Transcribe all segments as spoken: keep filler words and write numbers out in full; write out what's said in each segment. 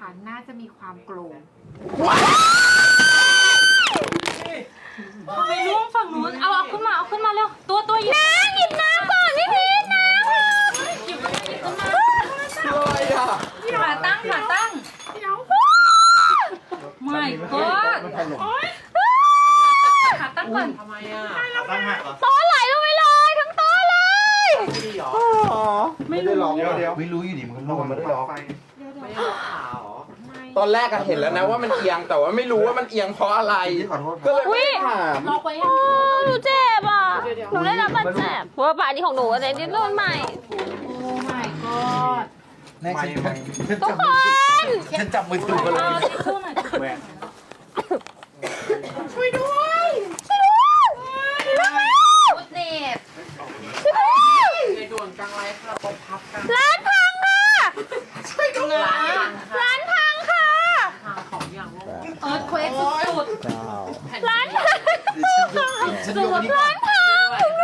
ค่ะน่าจะมีความโกรธทำไมร่วงฝั่งนู้นเอาเอาขึ้นมาเอาขึ้นมาเร็วตัวตัวหยิบน้ำหยิบน้ำก่อนพี่พีชน้ำหยิบมาหยิบขึ้นมาอะไรอ่ะขาตั้งขาตั้งไม่ก็ขาตั้งก่อนทำไมอ่ะตั้งหักเหรอโต๊ะไหลลงไปเลยทั้งโต๊ะเลยไม่ดีหรอไม่ได้ล็อกเดี๋ยวเดี๋ยวไม่รู้อยู่ดีมันก็ล็อกมันไม่ได้ล็อกไม่ได้ล็อกขาหรอตอนแรกอะเห็นแล้วนะว่ามันเอียงแต่ว่าไม่รู้ว่ามันเอียงเพราะอะไรก็เลยไม่ถามล็อกไว้ยังหนูเจ็บอ่ะหนูได้รับบาดเจ็บเพราะว่าป่านี้ของหนูอะไรที่โดนใหม่โอ้ my god ไม่ไม่ทุกคนฉันจับมือถือกันเลยแหวนช่วยด้วยช่วยด้วยมุดเน็ตช่วยด้วยในด่วนกลางไรค่ะตบพับกันร้านพังค่ะช่วยด้วยร้านพังค่ะทางของอย่างว่าเอิร์ธเควกสุดเจ้าร้านพังฉันโยนนี่ร้านพัง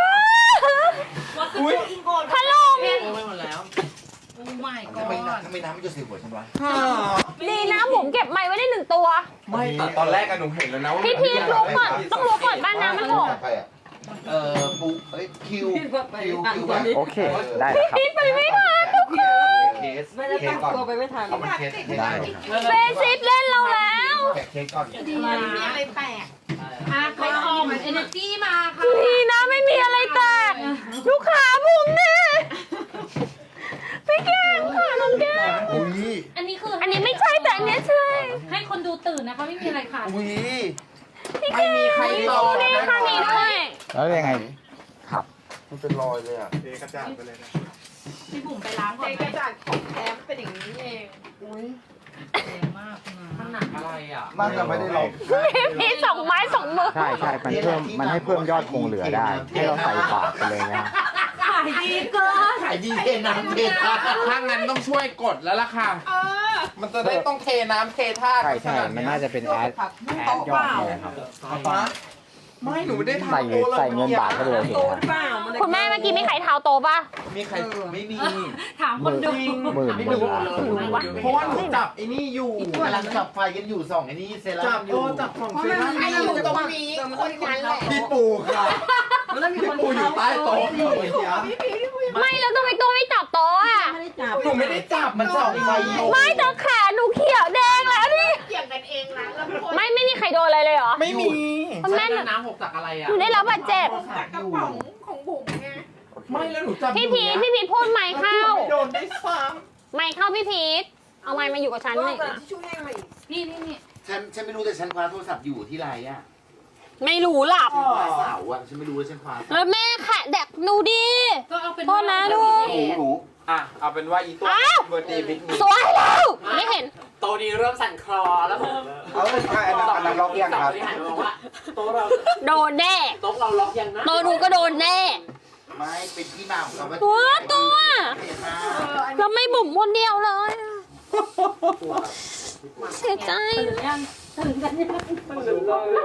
อุ้ยพัดลมโอ้ไม่หมดแล้วๆ Oh my ทำไม god ทำไมน้ำมันจะใส่หัวฉันวะดีนะผมเก็บไม้ไว้ได้หนึ่งตัวไม่แต่ตอนแรกอะหนูเห็นแล้วนะว่าพี่พีทรู้ก่อนต้องรู้ก่อนบ้านน้ำมันหกใครอ่ะเอ่อปุ๊เอ้ยคิวคิวคิวโอเค ได้แล้วครับพีทไปไม่ทันทุกคนเคสเคสก่อนตัวไปไม่ทันเอามันเคสได้เบสิสเล่นเราแล้วแกะเคสก่อนดีนะมีอะไรแตกอ่ะใครออมเอเนอร์จีมาค่ะดีนะไม่มีอะไรแตกลูกค้าผมเนี่ยพี่แก้มค่ะน้องแก้มอุ้ยอันนี้คืออันนี้ไม่ใช่แต่อันเนี้ยใช่ให้คนดูตื่นนะคะไม่มีอะไรค่ะอุ้ยพี่แก้มไม่มีใครรอนี่ค่ะมีด้วยแล้วยังไง ครับมันเป็นรอยเลยอ่ะเทกระจาดไปเลยนะพี่บุ๋มไปล้างก่อนกระจาดของแท้เป็นอย่างนี้เองแรงมากนะมันหนักอะไรอ่ะน่าจะไม่ได้ล็อกพี่สองไม้สองมือใช่ใช่มันเพิ่ม มันให้เพิ่มยอดคงเหลือได้ ให้เราใส่ฝากไปเลยนะขายดีเกินขายดีเทน้ำเทท่าถ้างั้นต้องช่วยกดแล้วล่ะค่ะ มันจะได้ต้องเทน้ำเทท่าใช่ใช่ มันน่าจะเป็นแอดแอดยอดเนี่ยครับฮะไม่หนูไม่ได้ใส่ทำโต๊ะใส่เงินบาทเข้าไปเลยเห็นไหมครับคุณแม่เมื่อกี้ไม่ไข่เท้าโตป่ะมีใครไม่มีถามคนดูหมื่นไม่หมื่รู้นเพราะว่าหนูจับไอ้นี่อยู่กำลังจับไฟกันอยู่สองไอ้นี่เซรั่จับมอโอยู่ จับของเซรั่มใครอยู่ตรงนี้คนนั้นแหละพี่ปูค่ะพี่ปูอยู่ใต้โต๊ะไม่แล้วทำไมตัวไม่จับโต๊ะอ่ะหนูไม่ได้จับมันส่องไฟอยู่ไม่แต่ขาหนูเขียวแดงแล้วนี่เกี่ยงกันเองนะแล้วคนไม่ไม่มีใครโดนอะไรเลยเหรอไม่มีคุณแม่น้ำหกจากอะไรอ่ะหนูได้รับบาดเจ็บจากกระป๋องของบุ๋มไงไม่แล้วหนูจับพี่พีทพี่พีทพูดไมค์เข้าโดนได้ซ้ไมค์เข้าพี่พีทเอาไมค์มาอยู่กับฉันหน่อยที่ช่วยให้มาอีกนี่นี่นี่ฉันฉันไม่รู้แต่ฉันคว้าโทรศัพท์อยู่ที่ไรอ่ะไม่รู้หลับคว้าเสาอ่ะฉันไม่รู้ว่าฉันคว้าแล้วแม่ค่ะแดกหนูดีก็เอาเป็นโทษนะลูกหนูหนูำอ่ะเอาเป็นว่าอีตัวอ้าวเบอร์ดีบิ๊กมีสวยแล้วไม่เห็นโตดีเริ่มสั่นคลอแล้วผมเอาใช่อันนั้นอันนั้นล็อกยังครับที่หันมาบอกว่าโตเราโดนแน่โต๊ะเราล็อกยังนะโดนหนูก็โดนแน่ไม่เป็นที่มาของคำว่าตัวตัวเทท่าแล้วไม่บุ๋มคนเดียวเลยเสียใจตื่นยังตื่นกันยัง